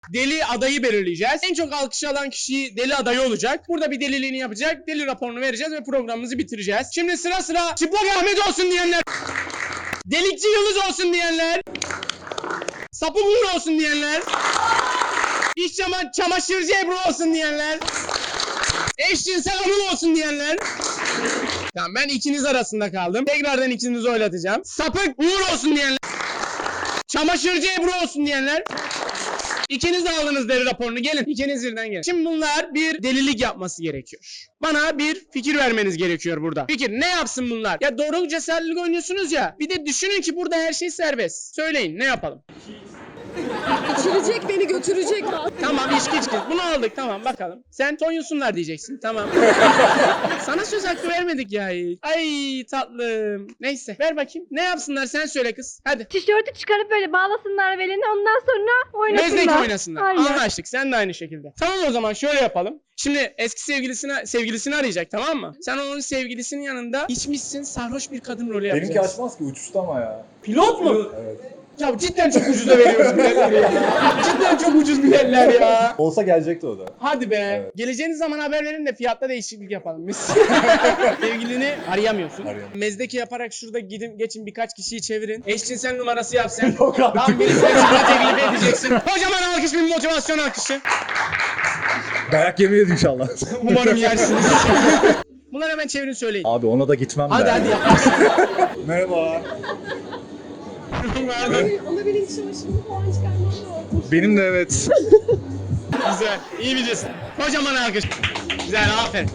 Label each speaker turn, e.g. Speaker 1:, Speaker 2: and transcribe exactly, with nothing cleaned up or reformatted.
Speaker 1: Deli adayı belirleyeceğiz. En çok alkış alan kişi deli adayı olacak. Burada bir deliliğini yapacak. Deli raporunu vereceğiz ve programımızı bitireceğiz. Şimdi sıra sıra Çıplak Ahmet olsun diyenler. Delikçi Yıldız olsun diyenler. Sapı Uğur olsun diyenler. İş çama çamaşırcı Ebru olsun diyenler. Eşcinsel Anıl olsun diyenler. Tamam, ben ikiniz arasında kaldım. Tekrardan ikinizi oylatacağım. Sapık Uğur olsun diyenler. Çamaşırcı Ebru olsun diyenler. İkiniz de aldınız deli raporunu. Gelin. İkiniz birden gelin. Şimdi bunlar bir delilik yapması gerekiyor. Bana bir fikir vermeniz gerekiyor burada. Fikir ne yapsın bunlar? Ya doğruluk cesaretlik oynuyorsunuz ya. Bir de düşünün ki burada her şey serbest. Söyleyin ne yapalım?
Speaker 2: İçirecek beni götürecek.
Speaker 1: Tamam, içki içki. Bunu aldık, tamam, bakalım. Sen Tonyusunlar diyeceksin, tamam. Sana söz hakkı vermedik ya hiç. Ay tatlım. Neyse, ver bakayım. Ne yapsınlar, sen söyle kız. Hadi.
Speaker 3: Tişörtü çıkarıp böyle bağlasınlar belini, ondan sonra oynasınlar.
Speaker 1: Mezdeki oynasınlar.
Speaker 3: Aynen.
Speaker 1: Anlaştık. Sen de aynı şekilde. Tamam, o zaman şöyle yapalım. Şimdi eski sevgilisine sevgilisini arayacak, tamam mı? Sen onun sevgilisinin yanında içmişsin, sarhoş bir kadın rolü yapacaksın.
Speaker 4: Benimki açmaz ki, uçuştu ama ya.
Speaker 1: Pilot mu?
Speaker 4: Evet.
Speaker 1: Ya cidden çok ucuza veriyoruz biletleri ya. Cidden çok ucuz biletler ya.
Speaker 4: Olsa gelecekti o da.
Speaker 1: Hadi be.
Speaker 4: Evet.
Speaker 1: Geleceğiniz zaman haber verin de fiyatta değişiklik yapalım biz. Sevgilini arayamıyorsun.
Speaker 4: Arayamıyorum.
Speaker 1: Mezdeki yaparak şurada gidin geçin birkaç kişiyi çevirin. Eşcinsel numarası yap sen.
Speaker 4: Yok artık.
Speaker 1: Tam birisine çıkma teklif edeceksin. Kocaman alkış, bir motivasyon alkışı.
Speaker 4: Dayak yemeyiz inşallah.
Speaker 1: Umarım yersiniz. Bunları hemen çevirin söyleyin.
Speaker 4: Abi ona da gitmem
Speaker 1: Hadi
Speaker 4: ben.
Speaker 1: hadi yaparsın.
Speaker 4: Merhaba.
Speaker 2: Ona benim çamaşırımı falan çıkarmam lazım.
Speaker 4: Benim de evet.
Speaker 1: Güzel. İyi bilirsin. Kocaman alkış. Güzel, aferin.